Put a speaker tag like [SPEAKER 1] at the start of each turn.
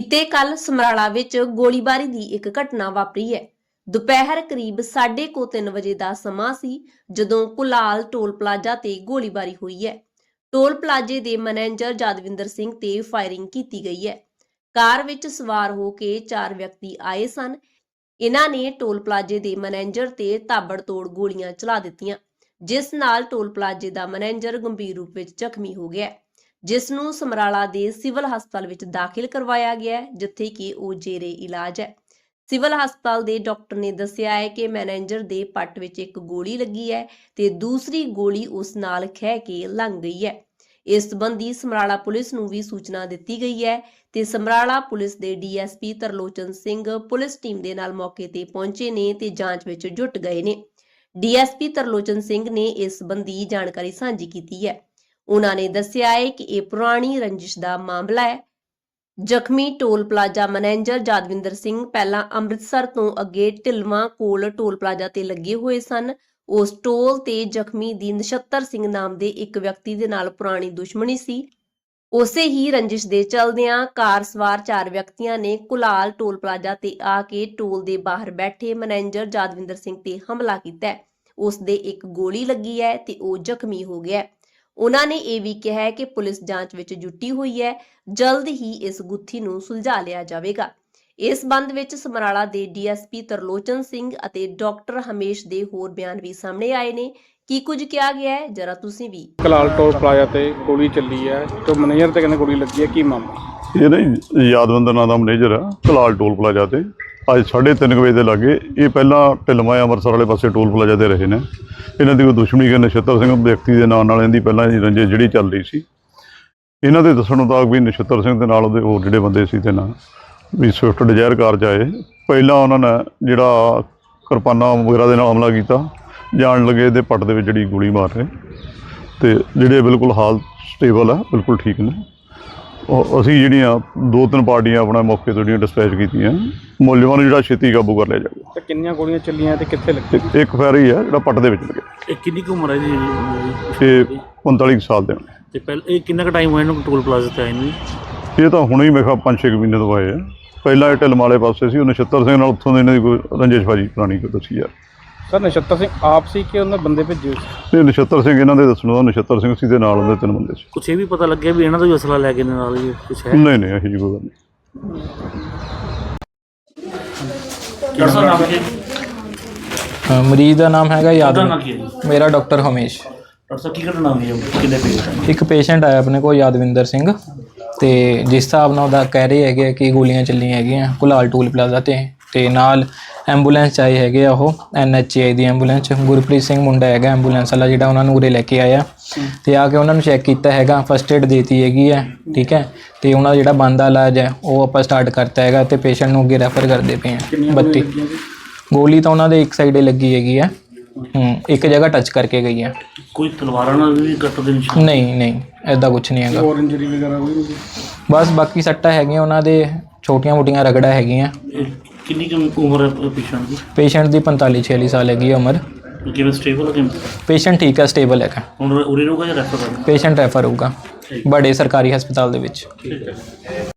[SPEAKER 1] ਤੇ ਕੱਲ ਸਮਰਾਲਾ ਵਿੱਚ ਗੋਲੀਬਾਰੀ ਦੀ ਇੱਕ ਘਟਨਾ ਵਾਪਰੀ ਹੈ। ਦੁਪਹਿਰ ਕਰੀਬ 3:30 ਵਜੇ ਦਾ ਸਮਾਂ ਸੀ ਜਦੋਂ ਕੁਲਾਲ ਟੋਲ ਪਲਾਜ਼ਾ ਤੇ ਗੋਲੀਬਾਰੀ ਹੋਈ ਹੈ। ਟੋਲ ਪਲਾਜ਼ੇ ਦੇ ਮੈਨੇਜਰ ਜਦਵਿੰਦਰ ਸਿੰਘ ਤੇ ਫਾਇਰਿੰਗ ਕੀਤੀ ਗਈ ਹੈ। ਕਾਰ ਵਿੱਚ ਸਵਾਰ ਹੋ ਕੇ 4 ਵਿਅਕਤੀ ਆਏ ਸਨ। ਇਹਨਾਂ ਨੇ ਟੋਲ ਪਲਾਜ਼ੇ ਦੇ ਮੈਨੇਜਰ ਤੇ ਤਾਬੜਤੋੜ ਗੋਲੀਆਂ ਚਲਾ ਦਿੱਤੀਆਂ, ਜਿਸ ਨਾਲ ਟੋਲ ਪਲਾਜ਼ੇ ਦਾ ਮੈਨੇਜਰ ਗੰਭੀਰ ਰੂਪ ਵਿੱਚ ਜ਼ਖਮੀ ਹੋ ਗਿਆ, ਜਿਸ ਨੂੰ ਸਮਰਾਲਾ ਦੇ ਸਿਵਲ ਹਸਪਤਾਲ ਵਿੱਚ ਦਾਖਲ ਕਰਵਾਇਆ ਗਿਆ ਹੈ, ਜਿੱਥੇ ਕਿ ਉਹ ਜੇਰੇ ਇਲਾਜ ਹੈ। ਸਿਵਲ ਹਸਪਤਾਲ ਦੇ ਡਾਕਟਰ ਨੇ ਦੱਸਿਆ ਹੈ ਕਿ ਮੈਨੇਜਰ ਦੇ ਪੱਟ ਵਿੱਚ ਇੱਕ ਗੋਲੀ ਲੱਗੀ ਹੈ ਤੇ ਦੂਸਰੀ ਗੋਲੀ ਉਸ ਨਾਲ ਖਹਿ ਕੇ ਲੰਘ ਗਈ ਹੈ। ਇਸ ਸੰਬੰਧੀ ਸਮਰਾਲਾ ਪੁਲਿਸ ਨੂੰ ਵੀ ਸੂਚਨਾ ਦਿੱਤੀ ਗਈ ਹੈ ਤੇ ਸਮਰਾਲਾ ਪੁਲਿਸ ਦੇ DSP Tarlochan Singh police team ਦੇ ਨਾਲ ਮੌਕੇ ਤੇ ਪਹੁੰਚੇ ਨੇ ਤੇ ਜਾਂਚ ਵਿੱਚ ਜੁਟ ਗਏ ਨੇ। ਡੀਐਸਪੀ ਤਰਲੋਚਨ ਸਿੰਘ ਨੇ ਇਸ ਸੰਬੰਧੀ ਜਾਣਕਾਰੀ ਸਾਂਝੀ ਕੀਤੀ ਹੈ। ਉਹਨਾਂ ਨੇ ਦੱਸਿਆ ਹੈ ਕਿ ਇਹ ਪੁਰਾਣੀ ਰੰਜਿਸ਼ ਦਾ ਮਾਮਲਾ ਹੈ। ਜ਼ਖਮੀ toll plaza manager Jadwinder Singh ਪਹਿਲਾਂ ਅੰਮ੍ਰਿਤਸਰ ਤੋਂ ਅੱਗੇ ਢਿਲਵਾਂ ਕੋਲ ਟੋਲ ਪਲਾਜ਼ਾ ਤੇ ਲੱਗੇ ਹੋਏ ਸਨ। ਉਸ ਟੋਲ ਤੇ ਜ਼ਖਮੀ ਦੀ ਨਛੱਤਰ ਸਿੰਘ ਨਾਮ ਦੇ ਇੱਕ ਵਿਅਕਤੀ ਦੇ ਨਾਲ ਪੁਰਾਣੀ ਦੁਸ਼ਮਣੀ ਸੀ। ਉਸੇ ਹੀ ਰੰਜਿਸ਼ ਦੇ ਚਲਦਿਆਂ ਕਾਰ ਸਵਾਰ 4 ਵਿਅਕਤੀਆਂ ਨੇ ਕੁਲਾਲ ਟੋਲ ਪਲਾਜ਼ਾ ਤੇ ਆ ਕੇ ਟੋਲ ਦੇ ਬਾਹਰ ਬੈਠੇ ਮੈਨੇਜਰ ਜਦਵਿੰਦਰ ਸਿੰਘ ਤੇ ਹਮਲਾ ਕੀਤਾ। ਉਸ ਦੇ ਇੱਕ ਗੋਲੀ ਲੱਗੀ ਹੈ ਤੇ ਉਹ ਜ਼ਖਮੀ ਹੋ ਗਿਆ। ਉਹਨਾਂ ਨੇ ਇਹ ਵੀ ਕਿਹਾ ਹੈ ਕਿ ਪੁਲਿਸ ਜਾਂਚ ਵਿੱਚ ਜੁਟੀ ਹੋਈ ਹੈ, ਜਲਦ ਹੀ ਇਸ ਗੁੱਥੀ ਨੂੰ ਸੁਲਝਾ ਲਿਆ ਜਾਵੇਗਾ। ਇਸ ਸੰਬੰਧ ਵਿੱਚ ਸਮਰਾਲਾ ਦੇ ਡੀਐਸਪੀ ਤਰਲੋਚਨ ਸਿੰਘ ਅਤੇ ਡਾਕਟਰ ਹਮੇਸ਼ ਦੇ ਹੋਰ ਬਿਆਨ ਵੀ ਸਾਹਮਣੇ ਆਏ ਨੇ। ਕੀ ਕੁਝ ਕਿਹਾ ਗਿਆ ਹੈ, ਜਰਾ ਤੁਸੀਂ ਵੀ।
[SPEAKER 2] ਕੁਲਾਲ ਟੋਲ ਪਲਾਜ਼ਾ ਤੇ ਗੋਲੀ ਚੱਲੀ ਹੈ ਤੇ ਮੈਨੇਜਰ ਤੇ ਕਹਿੰਦੇ ਗੋਲੀ ਲੱਗੀ ਹੈ, ਕੀ ਮਾਮਲਾ?
[SPEAKER 3] ਇਹ ਨਾ ਯਾਦਵੰਦਰ ਨਾਂ ਦਾ ਮੈਨੇਜਰ ਆ ਕੁਲਾਲ ਟੋਲ ਪਲਾਜ਼ਾ ਤੇ ਅੱਜ 3:30 ਵਜੇ ਦੇ ਲਾਗੇ। ਇਹ ਪਹਿਲਾਂ ਢਿਲਵਾਂ ਅੰਮ੍ਰਿਤਸਰ ਵਾਲੇ ਪਾਸੇ ਟੋਲ ਪਲਾਜ਼ਾ ਤੇ ਰਹੇ ਨੇ। ਇਹਨਾਂ ਦੀ ਕੋਈ ਦੁਸ਼ਮਣੀ ਕਿ ਨਛੱਤਰ ਸਿੰਘ ਵਿਅਕਤੀ ਦੇ ਨਾਂ ਨਾਲ ਇਹਦੀ ਪਹਿਲਾਂ ਦੀ ਰੰਜਿਸ਼ ਜਿਹੜੀ ਚੱਲ ਰਹੀ ਸੀ। ਇਹਨਾਂ ਦੇ ਦੱਸਣ ਮੁਤਾਬਕ ਵੀ ਨਛੱਤਰ ਸਿੰਘ ਦੇ ਨਾਲ ਉਹਦੇ ਹੋਰ ਜਿਹੜੇ ਬੰਦੇ ਸੀ ਤੇ ਨਾਲ ਵੀ ਸਵਿਫਟ ਡਿਜ਼ਾਇਰ ਕਾਰ 'ਚ ਆਏ। ਪਹਿਲਾਂ ਉਹਨਾਂ ਨੇ ਜਿਹੜਾ ਕਿਰਪਾਨਾਂ ਵਗੈਰਾ ਦੇ ਨਾਲ ਹਮਲਾ ਕੀਤਾ, ਜਾਣ ਲੱਗੇ ਇਹਦੇ ਪੱਟ ਦੇ ਵਿੱਚ ਜਿਹੜੀ ਗੋਲੀ ਮਾਰ ਰਹੇ ਤੇ ਜਿਹੜੇ ਬਿਲਕੁਲ ਹਾਲ ਸਟੇਬਲ ਆ, ਬਿਲਕੁਲ ਠੀਕ ਨੇ। ਅਸੀਂ ਜਿਹੜੀਆਂ 2-3 ਪਾਰਟੀਆਂ ਆਪਣਾ ਮੌਕੇ ਤੋਂ ਜਿਹੜੀਆਂ ਡਿਸਪੈਚ ਕੀਤੀਆਂ, ਮੁਲਜ਼ਮਾਂ ਨੂੰ ਜਿਹੜਾ ਛੇਤੀ ਕਾਬੂ ਕਰ ਲਿਆ ਜਾਊਗਾ।
[SPEAKER 2] ਤੇ ਕਿੰਨੀਆਂ ਗੋਲੀਆਂ ਚੱਲੀਆਂ ਤੇ ਕਿੱਥੇ ਲੱਗੀ?
[SPEAKER 3] ਇੱਕ ਫੈਰ ਹੀ ਆ ਜਿਹੜਾ ਪੱਟ ਦੇ ਵਿੱਚ ਲੱਗਿਆ।
[SPEAKER 4] ਇਹ ਕਿੰਨੀ ਕੁ ਉਮਰ ਹੈ ਜੀ?
[SPEAKER 3] ਇਹ 45 ਸਾਲ ਦੇ ਹੋਣੇ।
[SPEAKER 4] ਤੇ ਪਹਿਲਾਂ ਇਹ ਕਿੰਨਾ ਕੁ ਟਾਈਮ ਹੋਇਆ ਇਹਨੂੰ ਟੋਲ ਪਲਾਜ਼ਾ ਤੇ ਆਏ ਨੂੰ?
[SPEAKER 3] ਇਹ ਤਾਂ ਹੁਣੇ ਹੀ ਮੇਰੇ ਖਿਆਲ 5-6 ਮਹੀਨੇ ਤੋਂ ਆਏ ਆ। ਪਹਿਲਾਂ ਇਹ ਢਿਲਮ ਵਾਲੇ ਪਾਸੇ ਸੀ, ਉਹ ਨਛੱਤਰ ਸਿੰਘ ਨਾਲ ਉੱਥੋਂ ਦੇ ਇਹਨਾਂ ਦੀ ਕੋਈ ਰੰਜਿਸ਼ਬਾਜੀ ਪੁਰਾਣੀ ਕੋਈ ਦੱਸੀ ਯਾਰ।
[SPEAKER 2] ਸਰ ਨਛੱਤਰ ਸਿੰਘ ਆਪ ਸੀ ਕਿ ਉਹਨਾਂ ਬੰਦੇ ਭੇਜੇ ਸੀ?
[SPEAKER 3] ਇਹ ਨਛੱਤਰ ਸਿੰਘ ਇਹਨਾਂ ਦੇ ਦੱਸਣ ਦਾ ਨਛੱਤਰ ਸਿੰਘ ਸੀ ਦੇ ਨਾਲ ਉਹਦੇ 3 ਬੰਦੇ ਸੀ।
[SPEAKER 4] ਕੁਛ ਇਹ ਵੀ ਪਤਾ ਲੱਗਿਆ ਵੀ ਇਹਨਾਂ ਦਾ ਵੀ ਅਸਲਾ ਲੈ ਕੇ ਨਾਲ ਹੀ ਕੁਛ ਹੈ?
[SPEAKER 3] ਨਹੀਂ ਇਹੋ ਜਿਹੀ ਕੋਈ ਗੱਲ ਨਹੀਂ।
[SPEAKER 5] ਮਰੀਜ਼ ਦਾ ਨਾਮ ਹੈਗਾ
[SPEAKER 4] ਉਹਦਾ
[SPEAKER 5] ਯਾਦਵਿੰਦਰ।
[SPEAKER 4] ਨਾਂ ਕੀ ਹੈ ਜੀ?
[SPEAKER 5] ਮੇਰਾ ਡਾਕਟਰ ਹਮੇਸ਼।
[SPEAKER 4] ਡਾਕਟਰ ਸਾਹਿਬ ਕੀ ਘਟਨਾ ਹੋਈ ਹੈ? ਕਿੰਨੇ ਪੇਸ਼ੈਂਟ?
[SPEAKER 5] ਇੱਕ ਪੇਸ਼ੈਂਟ ਆਇਆ ਆਪਣੇ ਕੋਲ ਯਾਦਵਿੰਦਰ ਸਿੰਘ, ਤੇ ਜਿਸ ਹਿਸਾਬ ਨਾਲ ਉਹਦਾ ਕਹਿ ਰਹੇ ਹੈਗੇ ਕਿ ਗੋਲੀਆਂ ਚੱਲੀਆਂ ਹੈਗੀਆਂ ਕੁਲਾਲ ਟੋਲ ਪਲਾਜ਼ਾ ਤੇ ਨਾਲ ਐਂਬੂਲੈਂਸ 'ਚ ਆਏ ਹੈਗੇ ਆ। ਉਹ NHI ਦੀ ਐਂਬੂਲੈਂਸ, ਗੁਰਪ੍ਰੀਤ ਸਿੰਘ ਮੁੰਡਾ ਹੈਗਾ ਐਂਬੂਲੈਂਸ ਵਾਲਾ ਜਿਹੜਾ ਉਹਨਾਂ ਨੂੰ ਉਰੇ ਲੈ ਕੇ ਆਇਆ ਤੇ ਆ ਕੇ ਉਹਨਾਂ ਨੂੰ ਚੈੱਕ ਕੀਤਾ ਹੈਗਾ, ਫਸਟ ਏਡ ਦੇਤੀ ਹੈਗੀ ਹੈ, ਠੀਕ ਹੈ। ਤੇ ਉਹਨਾਂ ਦਾ ਜਿਹੜਾ ਬਣਦਾ ਇਲਾਜ ਹੈ ਉਹ ਆਪਾਂ ਸਟਾਰਟ ਕਰਤਾ ਹੈਗਾ ਤੇ ਪੇਸ਼ੈਂਟ ਨੂੰ ਅੱਗੇ ਰੈਫਰ ਕਰਦੇ ਪਏ ਹਾਂ। 32 ਗੋਲੀ ਤਾਂ ਉਹਨਾਂ ਦੇ ਇੱਕ ਸਾਈਡੇ ਲੱਗੀ ਹੈਗੀ ਹੈ, ਇੱਕ ਜਗ੍ਹਾ ਟੱਚ ਕਰਕੇ ਗਈ ਹੈ।
[SPEAKER 4] ਕੋਈ ਤਲਵਾਰਾਂ ਨਾਲ ਵੀ ਕੱਟ ਦੇ ਨਿਸ਼ਾਨ?
[SPEAKER 5] ਨਹੀਂ ਐਦਾਂ ਕੁਛ ਨਹੀਂ ਹੈਗਾ।
[SPEAKER 2] ਹੋਰ ਇੰਜਰੀ ਵਗੈਰਾ ਕੋਈ ਨਹੀਂ?
[SPEAKER 5] ਬਸ ਬਾਕੀ ਸੱਟਾਂ ਹੈਗੀਆਂ ਉਹਨਾਂ ਦੇ, ਛੋਟੀਆਂ-ਮੋਟੀਆਂ ਰਗੜਾ ਹੈਗੀਆਂ।
[SPEAKER 4] ਕਿੰਨੀ ਕੁ ਉਮਰ ਹੈ ਪੇਸ਼ੈਂਟ ਦੀ?
[SPEAKER 5] ਪੇਸ਼ੈਂਟ ਦੀ 45-46 ਸਾਲ ਹੈਗੀ ਹੈ ਉਮਰ।
[SPEAKER 4] ਕਿਵੇਂ ਸਟੇਬਲ ਹੈ ਕਿਵੇਂ?
[SPEAKER 5] ਪੇਸ਼ੈਂਟ ਠੀਕ ਹੈ, ਸਟੇਬਲ ਹੈਗਾ।
[SPEAKER 4] ਹੁਣ ਉਰੇ ਰਹੂਗਾ ਜਾਂ ਰੈਫਰ ਕਰਨਾ?
[SPEAKER 5] ਪੇਸ਼ੈਂਟ ਰੈਫਰ ਹੋਊਗਾ ਬੜੇ ਸਰਕਾਰੀ ਹਸਪਤਾਲ ਦੇ ਵਿੱਚ।
[SPEAKER 4] ਠੀਕ ਹੈ।